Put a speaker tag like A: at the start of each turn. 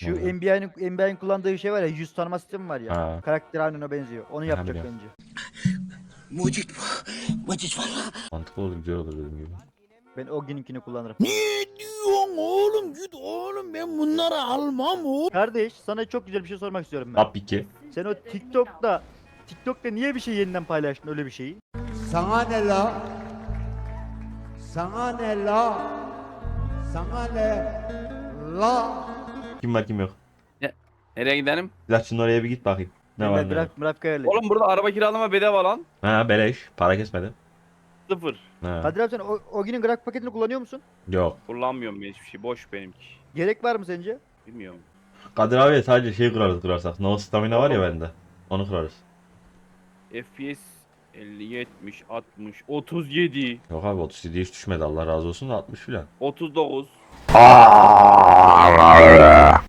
A: Şu
B: Oluyor.
A: NBA'nin kullandığı şey var ya, yüz tanıma sistemi var ya.
B: Ha.
A: Karakter aynen ona benziyor. Onu yapacak
B: biliyorum.
A: bence.
C: Mucit bu. Mucit valla.
B: Mantıklı olur, güzel olur dediğim gibi.
A: Ben Oggin'inkini kullanırım.
C: Ne diyorsun oğlum? Git oğlum, ben bunları almam oğlum.
A: Kardeş, sana çok güzel bir şey sormak istiyorum ben.
B: Tabii ki.
A: Sen o TikTok'ta niye bir şey yeniden paylaştın, öyle bir şeyi?
D: Sana ne la? Sana ne la? Sana ne la?
B: Kim var kim yok.
E: Nereye gidelim?
B: Silahçının oraya bir git bakayım. Ne var ne yok.
A: Mırafik ayarlayacağım.
E: Oğlum burada araba kiralama bedava lan.
B: Ha beleş. Para kesmedi.
E: Sıfır.
B: Ha.
A: Kadir abi, sen Oggin'in grafik paketini kullanıyor musun?
B: Yok.
E: Kullanmıyorum ben hiçbir şey. Boş benimki.
A: Gerek var mı sence?
E: Bilmiyorum.
B: Kadir abi sadece şey kurarsak. No stamina var ya bende. Onu kurarız.
E: FPS 50, 70, 60, 37,
B: Yok abi 37 hiç düşmedi Allah razı olsun da 60 filan.
E: 39.